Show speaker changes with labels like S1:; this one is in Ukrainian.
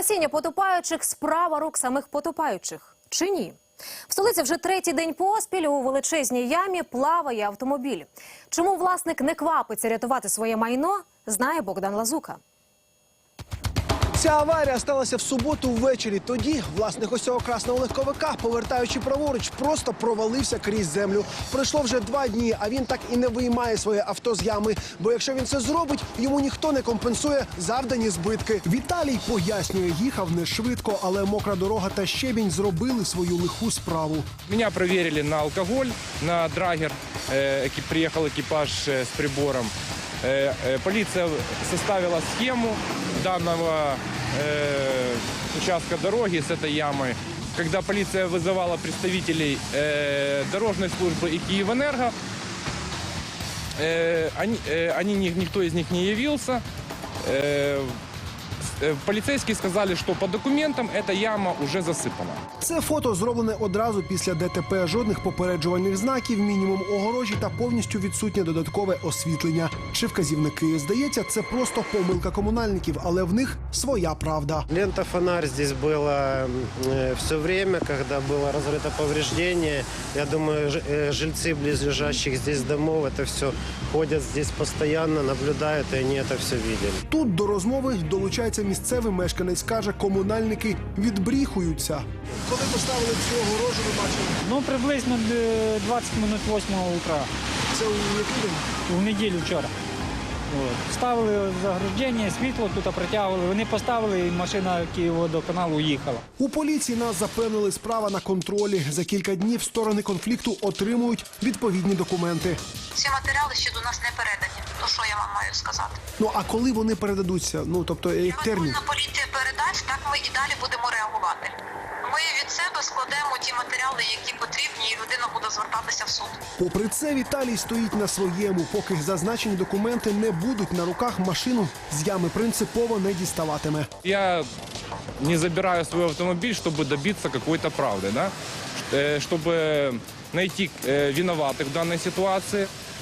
S1: Спасіння потопаючих – справа рук самих потопаючих. Чи ні? В столиці вже третій день поспіль у величезній ямі плаває автомобіль. Чому власник не квапиться рятувати своє майно, знає Богдан Лазука.
S2: Ця аварія сталася в суботу ввечері. Тоді власник ось цього красного легковика, повертаючи праворуч, просто провалився крізь землю. Пройшло вже 2 дні, а він так і не виймає своє авто з ями. Бо якщо він це зробить, йому ніхто не компенсує завдані збитки. Віталій пояснює, їхав не швидко, але мокра дорога та щебінь зробили свою лиху справу.
S3: Меня проверили на алкоголь, на драгер. Приехал экипаж с прибором. Полиция составила схему данного участка дороги с этой ямой. Когда полиция вызывала представителей дорожной службы и Киевэнерго, никто из них не явился. Поліцейські сказали, що по документам ця яма вже засипана.
S2: Це фото зроблене одразу після ДТП. Жодних попереджувальних знаків, мінімум огорожі та повністю відсутнє додаткове освітлення. Чи вказівники. Здається, це просто помилка комунальників, але в них своя правда.
S4: Лента-фонарь здесь была все время, когда было разрыто повреждение. Я думаю, жильцы близлежащих здесь домов это все ходят здесь постоянно, наблюдают, и они это все видели.
S2: Тут до розмови долучається місцевий мешканець. Каже, комунальники відбріхуються. Коли поставили цю огорожу, ви бачили?
S5: Ну, приблизно 20 минут 8 утра.
S2: Це у який день?
S5: В неділю вчора. От. Ставили заграждення, світло тут притягували. Вони поставили, і машина Київводоканалу їхала.
S2: У поліції нас запевнили, справа на контролі. За кілька днів сторони конфлікту отримують відповідні документи.
S6: Ці матеріали ще до нас не передані. То що я вам маю сказати?
S2: Ну, а коли вони передадуться? Ну, тобто, як термін?
S6: Патрульна поліція передасть, так ми і далі будемо реагувати. Ми від себе складемо ті матеріали, які потрібні, і людина буде звертатися в суд.
S2: Попри це, Віталій стоїть на своєму. Поки зазначені документи не будуть на руках, машину з ями принципово не діставатиме.
S3: Я не забираю свой автомобиль, чтобы добиться какой-то правды, да? Чтобы найти виноватых в данной ситуации.